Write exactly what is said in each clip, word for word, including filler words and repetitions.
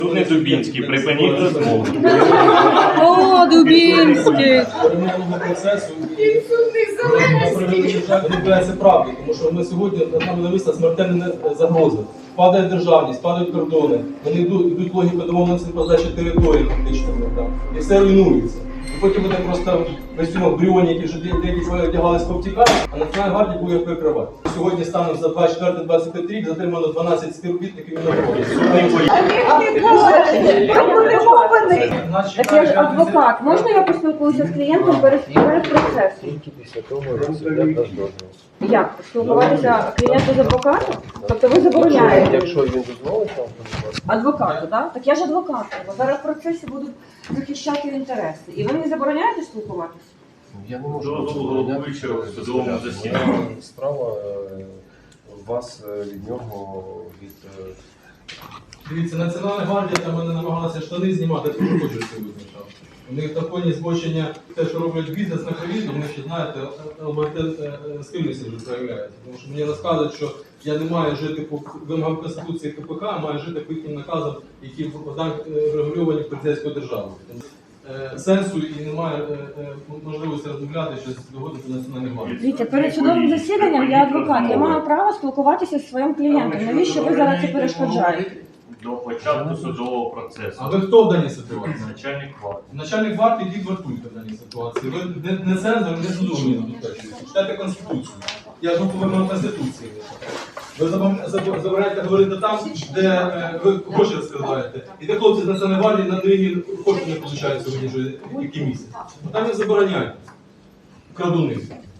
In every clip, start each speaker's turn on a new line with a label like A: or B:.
A: Тут не Дубінський, припиніть розмову.
B: О, Дубінський!
C: Перемовного процесу на превеликий жаль відбувається правди, тому що ми сьогодні над нами нависла смертельна загроза. Падає державність, падають кордони, вони йдуть, йдуть логіка домовленості про здачі території фактично там, і все руйнується. І потім вони просто в костюмах бріоні, які вже деякі свої одягались повтікати, а Національна гвардія буде їх прикривати. Сьогодні станом за двадцять четвертий - двадцять п'ятий рік затримано дванадцять співробітників Міноборони.
B: Так я ж адвокат. Можна я поспілкуюся з клієнтом перед перед процесом?
D: Тільки після того, як суддя дасть дозвіл.
B: Як? Спілкуватися клієнту з адвокатом? Тобто ви забороняєте?
D: Якщо він дозволить вам, то
B: Адвокату, так? Так я ж адвокат. Бо зараз в процесі будуть захищати інтереси. І ви мені забороняєте спілкуватися?
D: я не можу
A: Дозволу головуючого в судовому засіданні.
D: Моя справа е, вас е, від нього від е,
C: Дивіться, Національна гвардія там вони намагалися штани знімати, це не хочу це визначав. У них на фоні збочення, те, що роблять бізнес на ковід, вони ще, знаєте, ЛБТ схильності вже проявляються. Тому що мені розказують, що я не маю жити по вимогам Конституції КПК, а маю жити по їхнім наказам, які регульовані поліцейською державою. Сенсу і немає можливості розмовляти щось доводити до Національної гвардії.
B: Дивіться, перед судовим засіданням я адвокат. Я маю право спілкуватися зі своїм клієнтом. Навіщо ви зараз це перешкоджаєте?
A: До початку судового процесу.
C: А ви хто в даній ситуації?
A: Начальник варти.
C: Начальник варти йдіть вартуйте в даній ситуації. Ви не, не цензор, не судовий забезпечуєте. Читайте Конституцію. Я ж вимагаю Конституції. Ви забираєте говорити там, де е, ви гроші розкрадаєте. І де хлопці з Національної гвардії на рівні кошти не получають сьогодні вже який місяць. Там їх забороняють. Крадуни.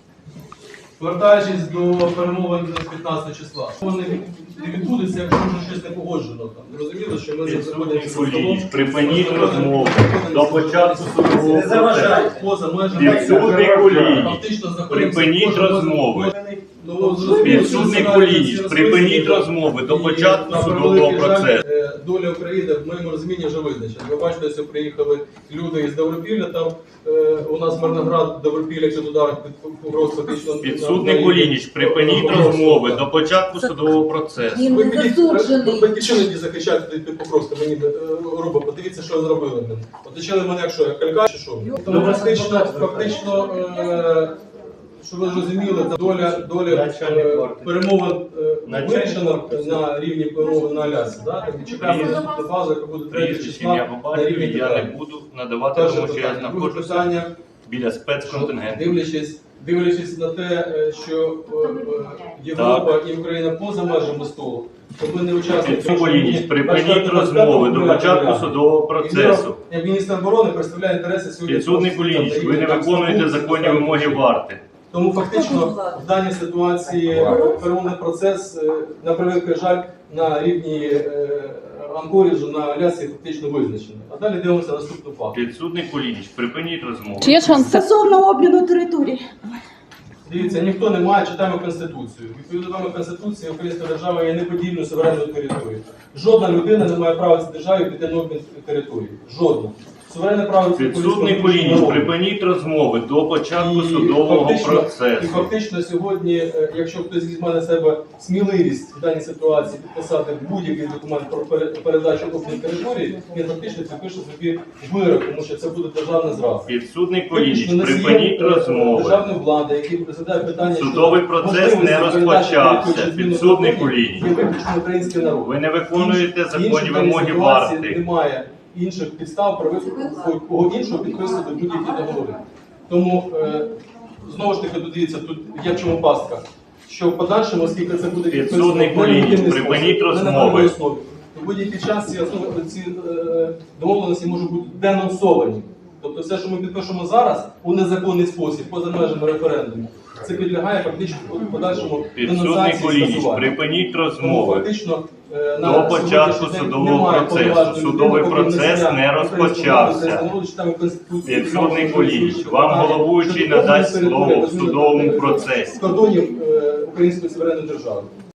C: Повертаючись до перемовин з п'ятнадцятого числа. Вони не відбудуться, якщо вже щось не погоджено. Там. Зрозуміло, що ми заходимо з столом.
A: Припиніть розмову. До початку судового процесу.
C: Поза межами.
A: Підсудний Кулініч.
C: Фактично знаходимося
A: Припиніть
C: кожен
A: розмови.
C: Ну, зрозуміло,
A: Підсудний
C: що
A: Кулініч.
C: ці
A: Припиніть
C: розповіді,
A: розмови. До
C: і,
A: початку
C: на
A: судового
C: превеликий жаль,
A: процесу.
C: е, доля України в моєму розумінні вже визначена. Ви бачите, що приїхали люди із Добропілля, там е, у нас Мирноград, Добропілля, якщо туди під погроз фактично...
A: Підсудний Кулініч. Припиніть розмови. До початку судового процесу.
B: Він
C: Ви
B: не
C: підіть,
B: засуджений.
C: ви батьківщини ті захищаєте під Покровська, мені е, робить, подивіться, що зробили. Оточили мене як що, як калька чи що? Тому фактично, фактично е, щоб ви розуміли, доля, доля е, перемовин е, вирішена на рівні перемовин на Алясі. Да? Так, чекаємо наступну фазу, яка буде третього
A: Прізвище,
C: числа
A: ім'я, по
C: на рівні
A: батькові я не
C: питання.
A: буду надавати,
C: Перше
A: тому що я
C: питання. Друге
A: знаходжуся
C: питання,
A: біля спецконтингенту.
C: дивлячись, дивлячись на те, е, що е, е, Європа і Україна поза межами столу, то ми не учасники.
A: Підсудний Кулініч. Припиніть розмови. До початку судового процесу.
C: Як міністр оборони представляє інтереси сьогодні.
A: Підсудний Кулініч, ви не виконуєте законні вимоги варти.
C: Тому фактично в даній ситуації перемовний процес, е, на превеликий жаль, на рівні е, Анкоріджу, на Алясі фактично визначений. А далі дивимося наступну фазу.
A: Підсудний Кулініч, припиніть розмову.
B: Чи є шанс стосовно обміну територій?
C: Дивіться, ніхто не має, читаємо Конституцію. Відповідно до Конституції, Українська держава є неподільною суверенною територією. Жодна людина не має права цій державі піти на обмін території. Жодна. Суверенне право це
A: Підсудний Кулініч, припиніть розмови до початку судового
C: І
A: процесу.
C: фактично сьогодні, е, якщо хтось візьме на себе сміливість в даній ситуації підписати будь-який документ про пере- передачу обмін території, він фактично підпише собі вирок, тому що це буде державна зрада.
A: Підсудний Кулініч,
C: Фактично, носієм,
A: припиніть
C: е,
A: розмови.
C: державної влади, який розглядає питання щодо
A: Судовий процес
C: можливості
A: не
C: передачі
A: розпочався.
C: території чи зміни
A: Підсудний
C: території,
A: Кулініч.
C: є виключно український народ.
A: Ви не виконуєте
C: Інших-
A: законні
C: інших даній
A: вимоги
C: ситуації
A: варти.
C: Немає інших підстав про кого іншого підписувати будь-які договори. Тому, е, знову ж таки, дивіться, тут є в чому пастка. Що в подальшому, оскільки це буде
A: Підсудний
C: підписано
A: Кулініч,
C: на легітимний
A: припиніть
C: спосіб, не на
A: розмови.
C: правовій основі, то в будь-який час ці, основи, ці е, домовленості можуть бути денонсовані. Тобто все, що ми підпишемо зараз у незаконний спосіб, поза межами референдуму, це підлягає фактично в подальшому
A: Підсудний
C: денонсації і
A: Кулініч,
C: скасуванню.
A: припиніть
C: Тому
A: розмови.
C: фактично е, на
A: До початку
C: сьогоднішній день
A: судового
C: немає
A: процесу.
C: повноважень
A: Судовий
C: людини,
A: процес
C: окрім
A: не
C: носія
A: розпочався.
C: української народу, читаємо Конституцію,
A: Підсудний
C: Конституцію,
A: Кулініч,
C: Конституцію,
A: вам
C: питання
A: головуючий
C: щодо
A: надасть
C: території
A: слово в
C: розміну
A: судовому
C: території
A: процесі.
C: з кордонів е, Української суверенної держави.